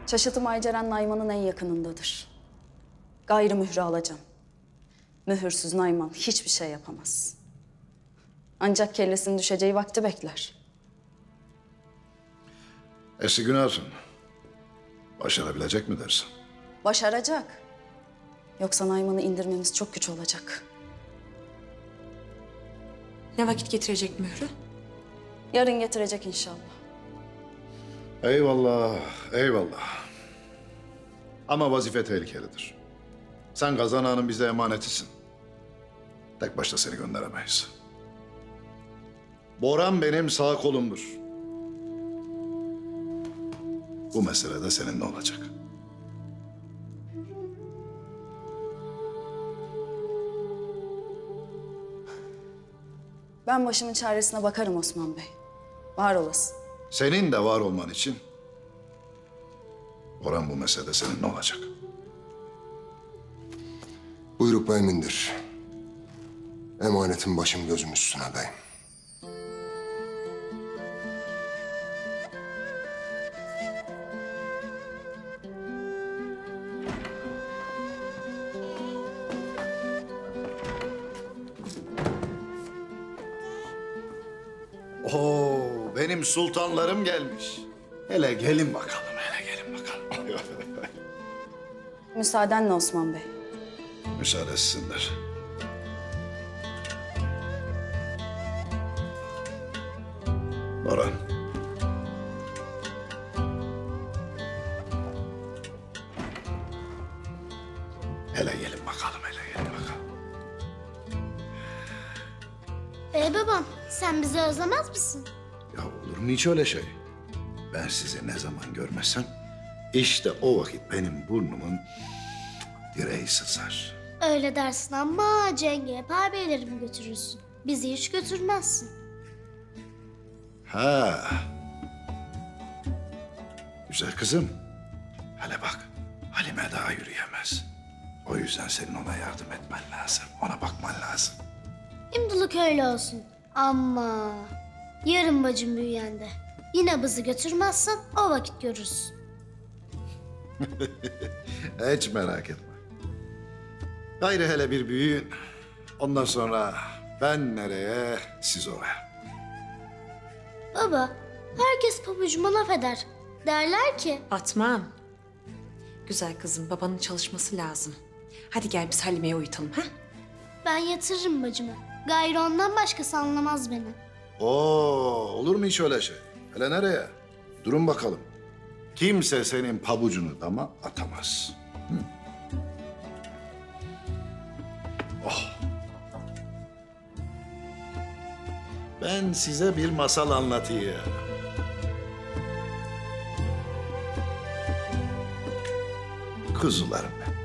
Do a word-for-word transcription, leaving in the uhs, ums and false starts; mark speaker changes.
Speaker 1: Çaşıtım Ayceren Nayman'ın en yakınındadır. Gayrı mührü alacağım. Mühürsüz Nayman hiçbir şey yapamaz. Ancak kellesinin düşeceği vakti bekler.
Speaker 2: Eski Günahsın. Başarabilecek mi dersin?
Speaker 1: Başaracak. Yoksa Nayman'ı indirmemiz çok güç olacak.
Speaker 3: Ne vakit getirecek mührü?
Speaker 1: Yarın getirecek inşallah.
Speaker 2: Eyvallah, eyvallah. Ama vazife tehlikelidir. Sen Gazan Ağa'nın bize emanetisin. Tek başta seni gönderemeyiz. Boran benim sağ kolumdur. Bu mesele de seninle olacak.
Speaker 1: Ben başımın çaresine bakarım Osman Bey. Var olasın.
Speaker 2: Senin de var olman için Boran bu meselede seninle olacak.
Speaker 4: Buyruk beyimindir. Emanetin başım gözüm üstüne beyim.
Speaker 2: Oo, benim sultanlarım gelmiş. Hele gelin bakalım, hele gelin bakalım.
Speaker 1: Müsaadenle Osman Bey.
Speaker 2: Müsaade etsinler. Boran. Hele gelin bakalım, hele gelin bakalım.
Speaker 5: Ee babam, sen bizi özlemez misin?
Speaker 2: Ya olur mu hiç öyle şey? Ben sizi ne zaman görmesem, işte o vakit benim burnumun direği sızar.
Speaker 5: Öyle dersin ama Cenge hep ağabeylerimi götürürsün. Bizi hiç götürmezsin.
Speaker 2: Ha. Güzel kızım. Hele bak, Halime daha yürüyemez. O yüzden senin ona yardım etmen lazım, ona bakman lazım.
Speaker 5: Şimdilik öyle olsun. Ama yarın bacım büyüyende yine bizi götürmezsen o vakit görürsün.
Speaker 2: Hiç merak etme. Gayrı hele bir büyüyün. Ondan sonra ben nereye, siz oraya.
Speaker 5: Baba, herkes pabucuma laf eder. Derler ki
Speaker 3: Fatma'm. Güzel kızım, babanın çalışması lazım. Hadi gel biz Halime'ye uyutalım, ha?
Speaker 5: ben yatırırım bacımı. Gayrı ondan başkası anlamaz beni.
Speaker 2: Oo, olur mu hiç öyle şey? Hele nereye? Durun bakalım. Kimse senin pabucunu dama atamaz. Hı? Oh. Ben size bir masal anlatayım. Kuzularım benim.